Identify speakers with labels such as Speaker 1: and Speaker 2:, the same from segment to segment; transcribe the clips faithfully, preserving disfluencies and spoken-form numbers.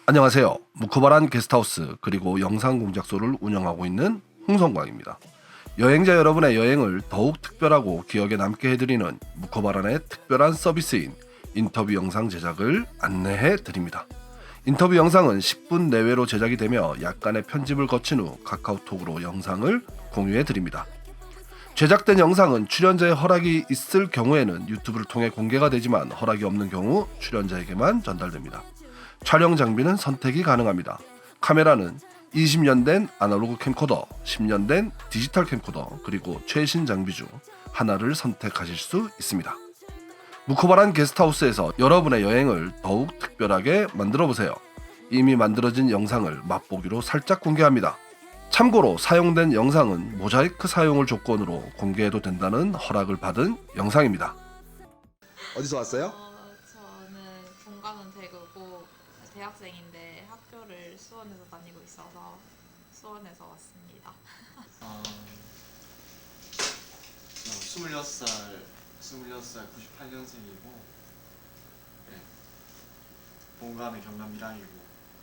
Speaker 1: 안녕하세요. 무코바란 게스트하우스 그리고 영상 공작소를 운영하고 있는 홍성광입니다. 여행자 여러분의 여행을 더욱 특별하고 기억에 남게 해드리는 무코바란의 특별한 서비스인 인터뷰 영상 제작을 안내해 드립니다. 인터뷰 영상은 십 분 내외로 제작이 되며 약간의 편집을 거친 후 카카오톡으로 영상을 공유해 드립니다. 제작된 영상은 출연자의 허락이 있을 경우에는 유튜브를 통해 공개가 되지만 허락이 없는 경우 출연자에게만 전달됩니다. 촬영 장비는 선택이 가능합니다. 카메라는 이십 년 된 아날로그 캠코더, 십 년 된 디지털 캠코더, 그리고 최신 장비 중 하나를 선택하실 수 있습니다. 무코바란 게스트하우스에서 여러분의 여행을 더욱 특별하게 만들어보세요. 이미 만들어진 영상을 맛보기로 살짝 공개합니다. 참고로 사용된 영상은 모자이크 사용을 조건으로 공개해도 된다는 허락을 받은 영상입니다. 어디서 왔어요?
Speaker 2: 어, 저는 본가는 대구고 대학생인데 학교를 수원에서 다니고 있어서 수원에서 왔습니다.
Speaker 3: 어, 저 스물여섯 살, 스물여섯 살 구십팔 년생이고, 네. 본가는 경남 밀양이고,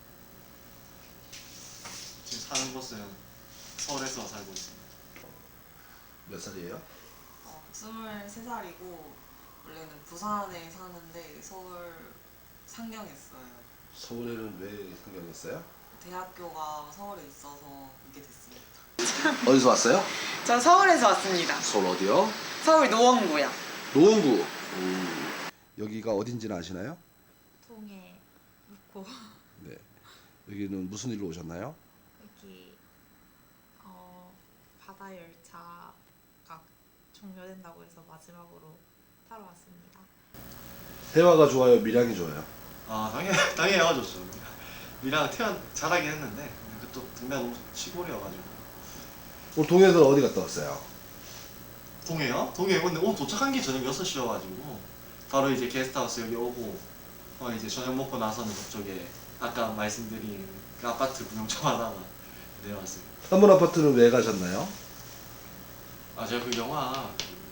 Speaker 3: 지금 사는 곳은 서울에서 살고 있습니다.
Speaker 1: 몇 살이에요?
Speaker 4: 어, 스물세 살이고 원래는 부산에 사는데 서울 상경했어요.
Speaker 1: 서울에는 왜 상경했어요?
Speaker 4: 대학교가 서울에 있어서 오게 됐습니다.
Speaker 1: 어디서 왔어요?
Speaker 4: 저 서울에서 왔습니다.
Speaker 1: 서울 어디요?
Speaker 4: 서울 노원구요.
Speaker 1: 노원구. 음. 여기가 어딘지는 아시나요?
Speaker 2: 통에 묵고
Speaker 1: 네. 여기는 무슨 일로 오셨나요?
Speaker 2: 여기 어, 바다 열차가 종료된다고 해서 마지막으로 타러 왔습니다.
Speaker 1: 해화가 좋아요, 밀양이 좋아요?
Speaker 3: 아, 당연히, 당연히 해가 좋죠. 밀양 태어난 자라긴 했는데, 그또 동네가 너무 시골이어가지고.
Speaker 1: 오늘 동해에서 어디 갔다 왔어요?
Speaker 3: 동해요? 동해 근데 오늘 도착한 게 저녁 여섯 시여가지고, 바로 이제 게스트하우스 여기 오고, 어, 이제 저녁 먹고 나서는 그쪽에 아까 말씀드린 그 아파트 구경 좀 하다가 내려왔습니다.
Speaker 1: 한 번 아파트는 왜 가셨나요?
Speaker 3: 아, 제가 그 영화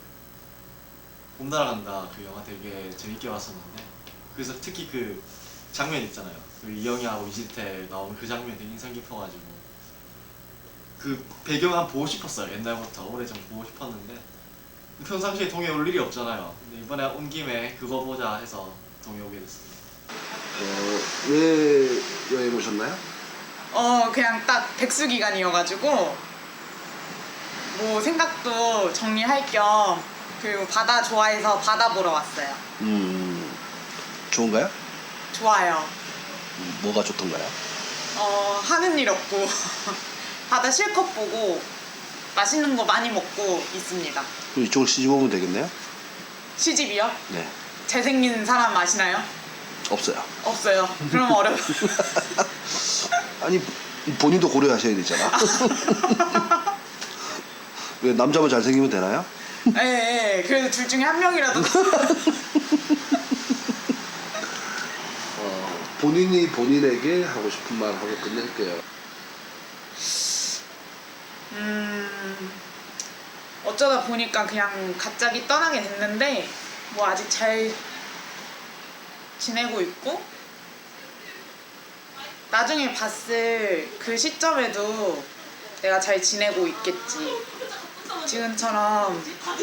Speaker 3: 봄 날아간다 그 영화 되게 재밌게 봤었는데, 그래서 특히 그 장면 있잖아요. 그 이영애하고 이지태 나오는 그 장면 되게 인상 깊어가지고 그 배경 한번 보고 싶었어요. 옛날부터 오래전 보고 싶었는데 평상시에 동해 올 일이 없잖아요. 근데 이번에 온 김에 그거 보자 해서 동해 오게 됐습니다.
Speaker 1: 어, 왜 여행 오셨나요?
Speaker 4: 어 그냥 딱 백수 기간이어가지고 뭐 생각도 정리할 겸 그리고 바다 좋아해서 바다 보러 왔어요.
Speaker 1: 음, 좋은가요?
Speaker 4: 좋아요.
Speaker 1: 음, 뭐가 좋던가요?
Speaker 4: 어 하는 일 없고 바다 실컷 보고 맛있는 거 많이 먹고 있습니다.
Speaker 1: 그럼 이쪽을 시집 오면 되겠네요?
Speaker 4: 시집이요?
Speaker 1: 네.
Speaker 4: 잘생긴 사람 아시나요?
Speaker 1: 없어요.
Speaker 4: 없어요. 그럼 어려워.
Speaker 1: 아니, 본인도 고려하셔야 되잖아. 왜 남자만 잘생기면 되나요?
Speaker 4: 예, 예. 그래도 둘 중에 한 명이라도.
Speaker 1: 어, 본인이 본인에게 하고 싶은 말 하고 끝낼게요.
Speaker 4: 음, 어쩌다 보니까 그냥 갑자기 떠나게 됐는데, 뭐 아직 잘 지내고 있고, 나중에 봤을 그 시점에도 내가 잘 지내고 있겠지. 지금처럼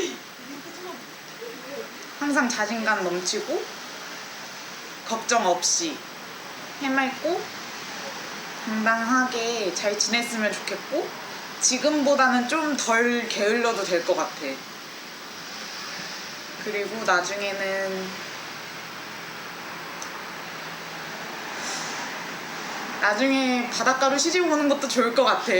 Speaker 4: 항상 자신감 넘치고 걱정 없이 해맑고 당당하게 잘 지냈으면 좋겠고, 지금보다는 좀 덜 게을러도 될 것 같아. 그리고 나중에는 나중에 바닷가로 시집 오는 것도 좋을 것 같아.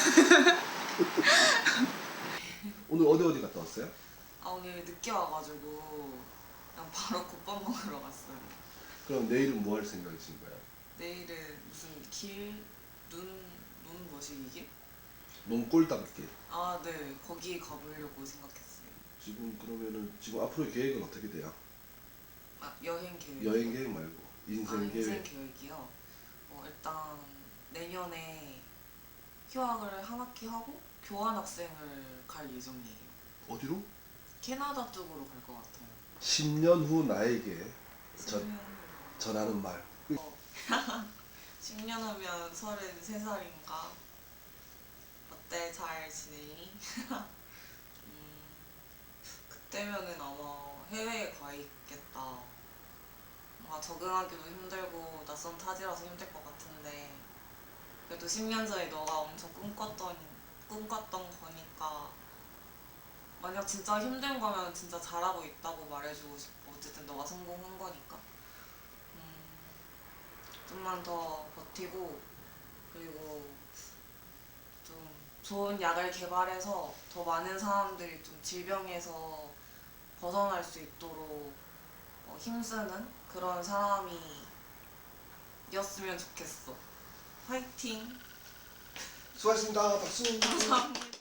Speaker 1: 오늘 어디 어디 갔다 왔어요?
Speaker 4: 아 오늘 늦게 와가지고 그냥 바로 국밥 먹으러 갔어요.
Speaker 1: 그럼 내일은 뭐 할 생각이신가요?
Speaker 4: 내일은 무슨 길? 눈? 눈 머시기?
Speaker 1: 너무 꼴딱게.
Speaker 4: 아 네, 거기 가보려고 생각했어요.
Speaker 1: 지금 그러면은 지금 앞으로 계획은 어떻게 돼요?
Speaker 4: 아 여행 계획?
Speaker 1: 여행 계획 말고 인생
Speaker 4: 아,
Speaker 1: 계획.
Speaker 4: 인생 계획이요? 어, 일단 내년에 휴학을 한 학기 하고 교환학생을 갈 예정이에요.
Speaker 1: 어디로?
Speaker 4: 캐나다 쪽으로 갈 것 같아요.
Speaker 1: 십 년 후 나에게 전,
Speaker 4: 십 년
Speaker 1: 전하는 말.
Speaker 4: 어.
Speaker 5: 십 년 후면 서른세 살인가? 어때? 잘 지내니? 음, 그때면은 아마 해외에 가 있겠다. 뭔가 적응하기도 힘들고 낯선 타지라서 힘들 것 같은데 그래도 십 년 전에 너가 엄청 꿈꿨던 꿈꿨던 거니까 만약 진짜 힘든 거면 진짜 잘하고 있다고 말해주고 싶어. 어쨌든 너가 성공한 거니까. 음, 좀만 더 버티고 그리고 좀 좋은 약을 개발해서 더 많은 사람들이 좀 질병에서 벗어날 수 있도록 어, 힘쓰는 그런 사람이 였으면 좋겠어. 화이팅!
Speaker 1: 수고하셨습니다. 박수.
Speaker 5: 감사합니다.